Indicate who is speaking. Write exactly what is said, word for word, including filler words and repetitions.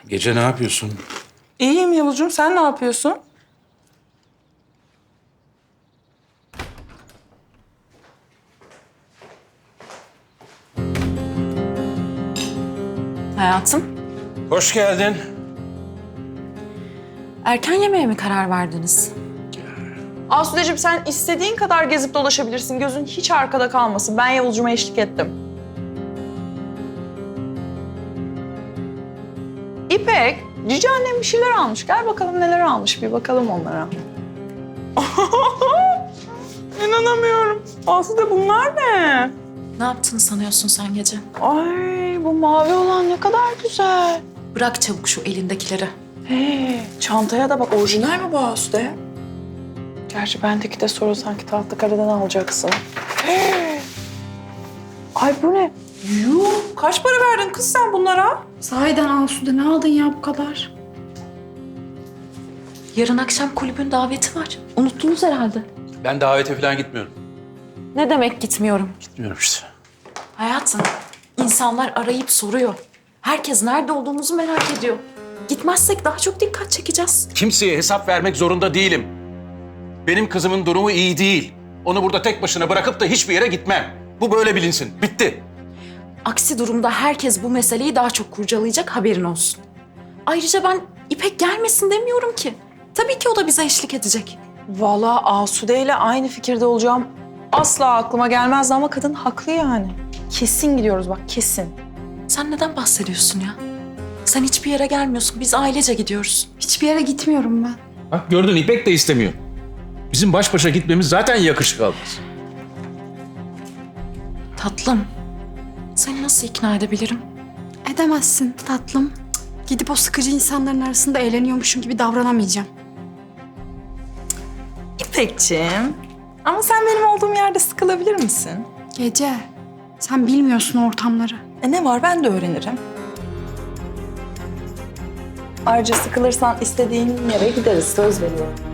Speaker 1: Gece ne yapıyorsun?
Speaker 2: İyiyim Yavuzcuğum, sen ne yapıyorsun?
Speaker 3: Hayatım,
Speaker 1: Hoş geldin.
Speaker 3: erken yemeğe mi karar verdiniz?
Speaker 2: Asudeciğim sen istediğin kadar gezip dolaşabilirsin. Gözün hiç arkada kalmasın. Ben Yavuzcuğuma eşlik ettim. İpek, Cici annem bir şeyler almış. Gel bakalım neler almış. Bir bakalım onlara. İnanamıyorum. Asude bunlar ne?
Speaker 3: Ne yaptığını sanıyorsun sen gece?
Speaker 2: Ay bu mavi olan ne kadar güzel.
Speaker 3: Bırak çabuk şu elindekileri.
Speaker 2: Hey, çantaya da bak. Orijinal mi bu Asude? Gerçi bendeki de soru sanki Tahtakale'den alacaksın. Hey. Ay bu ne? Yuh, kaç para verdin kız sen bunlara?
Speaker 4: Sahiden Asude ne aldın ya bu kadar?
Speaker 3: Yarın akşam kulübün daveti var. Unuttunuz herhalde.
Speaker 1: Ben davete falan gitmiyorum.
Speaker 3: Ne demek gitmiyorum?
Speaker 1: Gitmiyorum işte.
Speaker 3: Hayatım, insanlar arayıp soruyor. Herkes nerede olduğumuzu merak ediyor. Gitmezsek daha çok dikkat çekeceğiz.
Speaker 1: Kimseye hesap vermek zorunda değilim. Benim kızımın durumu iyi değil. Onu burada tek başına bırakıp da hiçbir yere gitmem. Bu böyle bilinsin. Bitti.
Speaker 3: Aksi durumda herkes bu meseleyi daha çok kurcalayacak, haberin olsun. Ayrıca ben İpek gelmesin demiyorum ki. Tabii ki o da bize eşlik edecek.
Speaker 2: Vallahi Asude ile aynı fikirde olacağım. Asla aklıma gelmezdi ama kadın haklı yani. Kesin gidiyoruz bak kesin.
Speaker 3: Sen neden bahsediyorsun ya? Sen hiçbir yere gelmiyorsun. Biz ailece gidiyoruz.
Speaker 4: Hiçbir yere gitmiyorum ben.
Speaker 1: Bak gördün, İpek de istemiyor. Bizim baş başa gitmemiz zaten yakışık almaz.
Speaker 3: Tatlım, seni nasıl ikna edebilirim?
Speaker 4: Edemezsin tatlım. Gidip o sıkıcı insanların arasında eğleniyormuşum gibi davranamayacağım.
Speaker 2: İpekciğim. Ama sen benim olduğum yerde sıkılabilir misin?
Speaker 4: Gece, sen bilmiyorsun ortamları.
Speaker 2: E ne var ben de öğrenirim. Ayrıca sıkılırsan istediğin yere gideriz söz veriyorum.